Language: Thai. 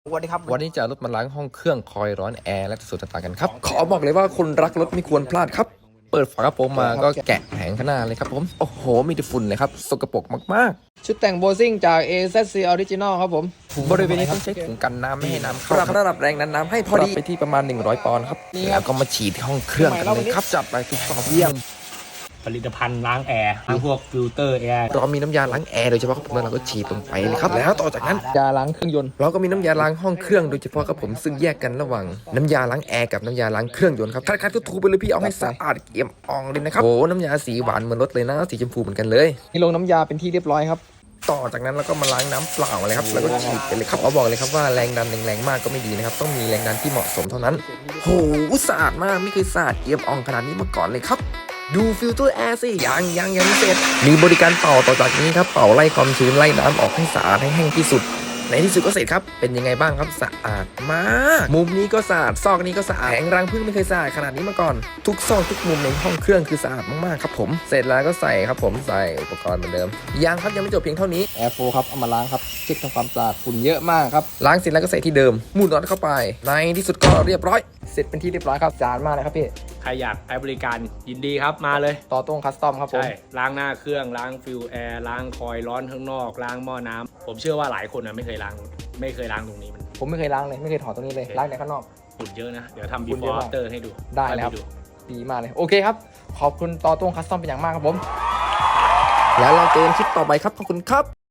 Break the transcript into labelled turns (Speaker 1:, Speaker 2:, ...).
Speaker 1: สวัสดีครับ
Speaker 2: วันนี้จะรถมาล้างห้องเครื่องคอยร้อนแอร์และส่วนต่างๆกันครับขอบอกเลยว่าคนรักรถไม่ควรพลาดครับเปิดฝากระโปรงมาก็แกะแผงข้างหน้าเลยครับผมโอ้โหมีแต่ฝุ่นเลยครับสกปรกมาก
Speaker 1: ชุดแต่งโบซิ่งจาก AZC Original ครับผม
Speaker 2: ๆบริเวณนี้ต้องใช้ถุงกันน้ำไม่ให้น้ำเข้าปรับระดับแรงดันน้ำให้พอดีไปที่ประมาณ100 ปอนด์ครับแล้วก็มาฉีดที่ห้องเครื่องกันเลยครับจับไปทุกซอกเยี่ยม
Speaker 3: ผลิตภัณฑ์ล้างแอร์ทั้งพวกฟิลเตอร์แอร์
Speaker 2: เรามีน้ำยาล้างแอร์โดยเฉพาะครับผมแล้วเราก็ฉีดลงไปเลยครับแล้วต่อจากนั้น
Speaker 1: ยาล้างเครื่องยนต์
Speaker 2: เราก็มีน้ำยาล้างห้องเครื่องโดยเฉพาะครับผมซึ่งแยกกันระหว่างน้ำยาล้างแอร์กับน้ำยาล้างเครื่องยนต์ครับคัดๆถูๆไปเลยพี่เอาให้สะอาดเอี่ยมอ่องเลยนะครับโอ้น้ำยาสีหวานเหมือนรถเลยนะสีชมพูเหมือนกันเลย
Speaker 1: นี่ลงน้ำยาเป็นที่เรียบร้อยครับ
Speaker 2: ต่อจากนั้นเราก็มาล้างน้ำเปล่าเลยครับแล้วก็ฉีดไปเลยครับเอาบอกเลยครับว่าแรงดันแรงๆมากก็ไม่ดีนะครับต้องมีแรงดันที่เหมาะสมเท่านั้นโหสะอาดมากไม่เคยสะอาดเอี่ยมอ่องขนาดนี้มาก่อนเลยครับดูฟิลเตอร์แอร์สิยังไม่เสร็จมีบริการเป่าต่อจากนี้ครับเป่าไล่ความชื้นไล่น้ำออกให้สะอาดให้แห้งที่สุดในที่สุดก็เสร็จครับเป็นยังไงบ้างครับสะอาดมากมุมนี้ก็สะอาดซอกนี้ก็สะอาดแผงรังพึ่งไม่เคยสะอาดขนาดนี้มาก่อนทุกซอกทุกมุมในห้องเครื่องคือสะอาดมากๆครับผมเสร็จแล้วก็ใส่ครับผมใส่อุปกรณ์เหมือนเดิมยังครับยังไม่จบเพียงเท่านี้
Speaker 1: Air 4ครับเอามาล้างครับเช็คทำความสะอาดฝุ่นเยอะมากครับ
Speaker 2: ล้างเสร็จแล้วก็ใส่ที่เดิมหมุนน็อตเข้าไปในที่สุดก็เรียบร้อย
Speaker 1: เสร็จเป็นที่เรียบร้อยครับจานมากเลยครับพี่
Speaker 3: ใครอยากใช้บริการยินดีครับมาเลย
Speaker 1: ต่อตรงคัสตอมครับผม
Speaker 3: ใช่ล้างหน้าเครื่องล้างฟิลแอร์ล้างคอยล์ร้อนข้างนอกล้างหม้อน้ำผมเชื่อว่าหลายคนไม่เคยล้างตรงนี้มัน
Speaker 1: ผมไม่เคยล้างเลยไม่เคยถอดตรงนี้เลยล้างแต่ข้างนอก
Speaker 3: ฝุ่นเยอะนะ เดี๋ยวทำ
Speaker 1: ฝุ่นเยอะ
Speaker 3: before
Speaker 1: มาก
Speaker 3: after ให้ดู
Speaker 1: ได้เลยครับ
Speaker 3: ให้ดู
Speaker 1: ดีมากเลยโอเคครับขอบคุณต่อตรงคัสตอมเป็นอย่างมากครับผม
Speaker 2: แล้วเราเจอกันคลิปต่อไปครับขอบคุณครับ